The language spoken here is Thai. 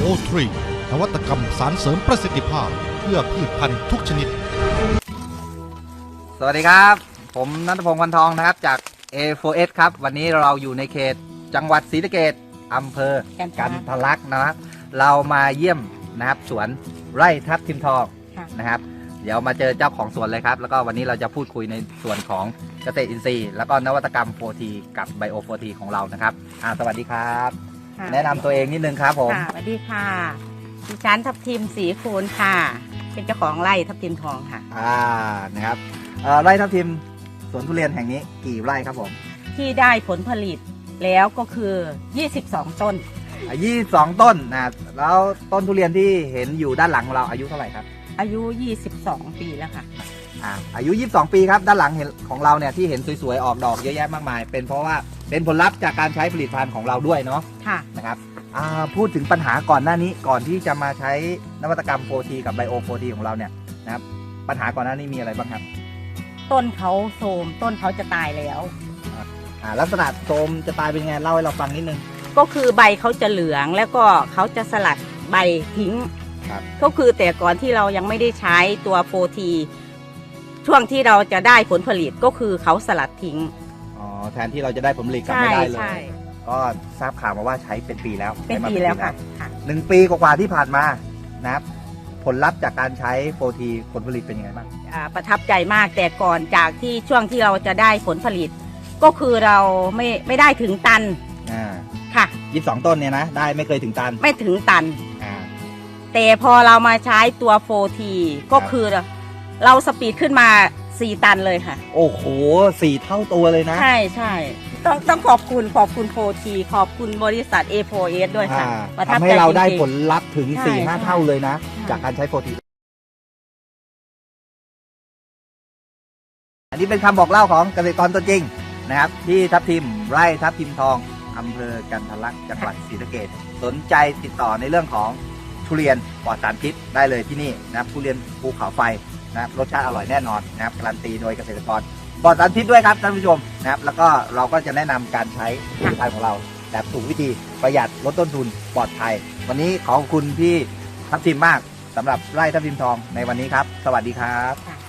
O3 นวัตกรรมสารเสริมประสิทธิภาพเพื่อพืชพันธุ์ทุกชนิดสวัสดีครับผมณัฐพงศ์ วันทองนะครับจาก A4S ครับวันนี้เราอยู่ในเขตจังหวัดศรีสะเกษอำเภอกันทะลักนะครับเรามาเยี่ยมนะครับสวนไร่ทับทิมทองนะครับเดี๋ยวมาเจอเจ้าของสวนเลยครับแล้วก็วันนี้เราจะพูดคุยในส่วนของเกษตรอินทรีย์แล้วก็นวัตกรรม 4T กับ Bio 4T ของเรานะครับสวัสดีครับแนะนำตัวเองนิดนึงครับผมสวัสดีค่ะดิฉันทับทิมศรีคูณค่ะเป็นเจ้าของไร่ทับทิมทองค่ะนะครับไร่ทับทิมสวนทุเรียนแห่งนี้กี่ไร่ครับผมที่ได้ผลผลิตแล้วก็คือ22ต้น 22ต้นนะแล้วต้นทุเรียนที่เห็นอยู่ด้านหลังของเราอายุเท่าไหร่ครับอายุ22ปีแล้วค่ะอายุ22ปีครับด้านหลังของเราเนี่ยที่เห็นสวยๆออกดอกเยอะแยะมากมายเป็นเพราะว่าเป็นผลลัพธ์จากการใช้ผลิตภัณฑ์ของเราด้วยเนาะค่ะนะครับพูดถึงปัญหาก่อนหน้านี้ก่อนที่จะมาใช้นวัตกรรม 4T กับ Bio 4T ของเราเนี่ยนะครับปัญหาก่อนหน้านี้มีอะไรบ้างครับต้นเขาโทรมต้นเขาจะตายแล้วลักษณะโทรมจะตายเป็นไงเล่าให้เราฟังนิดนึงก็คือใบเขาจะเหลืองแล้วก็เขาจะสลัดใบทิ้งก็คือแต่ก่อนที่เรายังไม่ได้ใช้ตัว 4T ช่วงที่เราจะได้ผลผลิตก็คือเขาสลัดทิ้งแทนที่เราจะได้ผลผลิตกลับไม่ได้เลยก็ทราบข่าวมาว่าใช้เป็นปีแล้วค่ะ 1 ปีกว่าที่ผ่านมานะครับผลลัพธ์จากการใช้ 4T ผลผลิตเป็นยังไงบ้างประทับใจมากแต่ก่อนจากที่ช่วงที่เราจะได้ผลผลิตก็คือเราไม่ได้ถึงตันค่ะ 22ต้นเนี่ยนะได้ไม่เคยถึงตันไม่ถึงตันแต่พอเรามาใช้ตัว 4T ก็คือเราสปีดขึ้นมา4ตันเลยค่ะโอ้โห4 เท่าตัวเลยนะใช่ใช่ต้องขอบคุณ 4T ขอบคุณบริษัท A4S ด้วยค่ะทำให้เราได้ผลลัพธ์ถึง 4-5 เท่าเลยนะจากการใช้ 4T อันนี้เป็นคำบอกเล่าของเกษตรกรตัวจริงนะครับที่ทับทิมไร่ทับทิมทองอำเภอกันทะลักจังหวัดศรีสะเกษสนใจติดต่อในเรื่องของทุเรียนปลอดสารพิษได้เลยที่นี่นะครับทุเรียนภูเขาไฟนะครับรสชาติอร่อยแน่นอนนะครับการันตีโดยเกษตรกรปลอดสารพิษด้วยครับท่านผู้ชมนะครับแล้วก็เราก็จะแนะนำการใช้ผลิตภัณฑ์ของเราแบบถูกวิธีประหยัดลดต้นทุนปลอดภัยวันนี้ขอบคุณพี่ทับทิมมากสำหรับไร่ทับทิมทองในวันนี้ครับสวัสดีครับ